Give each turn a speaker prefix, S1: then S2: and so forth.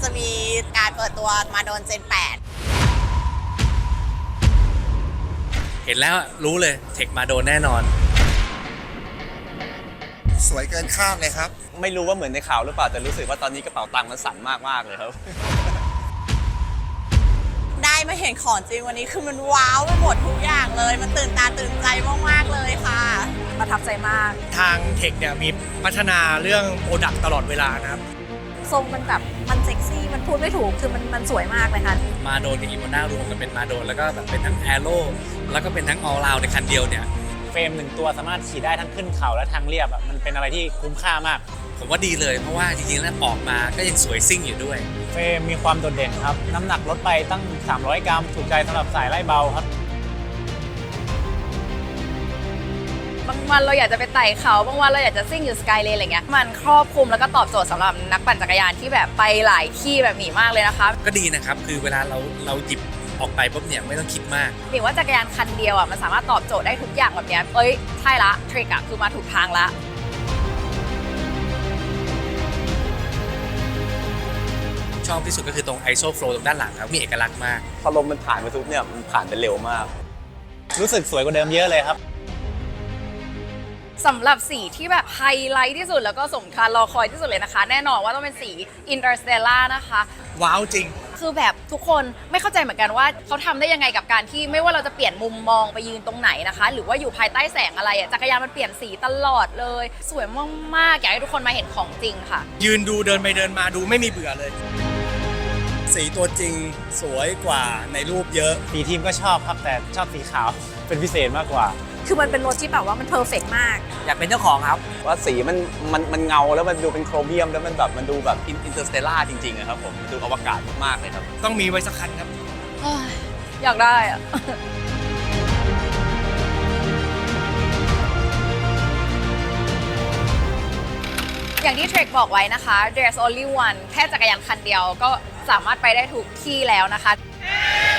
S1: จะมีการเปิดตัวมาโดนเจน 8
S2: เห็นแล้วรู้เลยเทคมาโดนแน่นอน
S3: สวยเกินคาดเลยครับไม่รู้ว่าเหมือนในข่าวหรือเปล่าแต่รู้สึกว่าตอนนี้กระเป๋าตังค์มันสั่นมากๆเลยครับ
S1: ได้มาเห็นของจริงวันนี้คือมันว้าวไปหมดทุกอย่างเลยมันตื่นตาตื่นใจมากๆเลยค่ะประทับใจมาก
S4: ทางเทคเนี่ยมีพัฒนาเรื่องโปรดักต์ตลอดเวลานะครับ
S1: ทรงมันแบบมันเซ็กซี่มันพูดไม่ถูกคือมันสวยมากเลยค่ะ
S2: มาโดนกับอีโวน่ารวมกันเป็นมาโดนแล้วก็แบบเป็นทั้งแอโร่แล้วก็เป็นทั้งออลราวในคันเดียวเนี่ย
S5: เฟรม1ตัวสามารถขี่ได้ทั้งขึ้นเขาและทางเรียบมันเป็นอะไรที่คุ้มค่ามาก
S2: ผมว่าดีเลยเพราะว่าจริงๆแล้วออกมาก็ยังสวยซิ่งอยู่ด้วย
S5: เฟรมมีความโดดเด่นครับน้ำหนักลดไปตั้ง300 กรัมถูกใจสำหรับสายไล่เบาครับ
S6: บางวันเราอยากจะไปไต่เขาบางวันเราอยากจะซิ่งอยู่สกายเลนอะไรเงี้ยมันครอบคลุมแล้วก็ตอบโจทย์สำหรับนักปั่นจักรยานที่แบบไปหลายที่แบบหมีมากเลยนะคะ
S2: ก็ดีนะครับคือเวลาเราหยิบออกไปปุ๊บเนี่ยไม่ต้องคิดมาก
S6: หมีว่าจักรยานคันเดียวมันสามารถตอบโจทย์ได้ทุกอย่างแบบเนี้ยใช่ละทริกคือมาถูกทางละ
S2: ชอบที่สุดก็คือตรง ISO Flow ตรงด้านหลังครับมีเอกลักษณ์มาก
S3: พอลมมันผ่านไปทุกเนี่ยมันผ่านไปเร็วมาก
S5: รู้สึกสวยกว่าเดิมเยอะเลยครับ
S6: สำหรับสีที่แบบไฮไลท์ที่สุดแล้วก็สมคารรอคอยที่สุดเลยนะคะแน่นอนว่าต้องเป็นสี Interstellar นะคะ
S4: ว้าวจริง
S6: คือแบบทุกคนไม่เข้าใจเหมือนกันว่าเขาทำได้ยังไงกับการที่ไม่ว่าเราจะเปลี่ยนมุมมองไปยืนตรงไหนนะคะหรือว่าอยู่ภายใต้แสงอะไรจักรยานมันเปลี่ยนสีตลอดเลยสวยมากๆอยากให้ทุกคนมาเห็นของจริงค่ะ
S4: ยืนดูเดินไปเดินมาดูไม่มีเบื่อเลยสีตัวจริงสวยกว่าในรูปเยอะ
S5: สีทีมก็ชอบครับแต่ชอบสีขาวเป็นพิเศษมากกว่า
S1: คือมันเป็นรถที่แบบว่ามันเพอร์เฟกต์มาก
S4: อยากเป็นเจ้าของครับ
S3: ว่าสีมันเงาแล้วมันดูเป็นโครเมียมแล้วมันแบบมันดูแบบอินเตอร์สเตลล่าจริงๆอะครับผมดูอวกาศมากๆเลยครับ
S4: ต้องมีไว้สักคันครับ
S6: อยากได้อะอย่างที่เทรคบอกไว้นะคะ There's only one แค่จักรยานคันเดียวก็สามารถไปได้ทุกที่แล้วนะคะ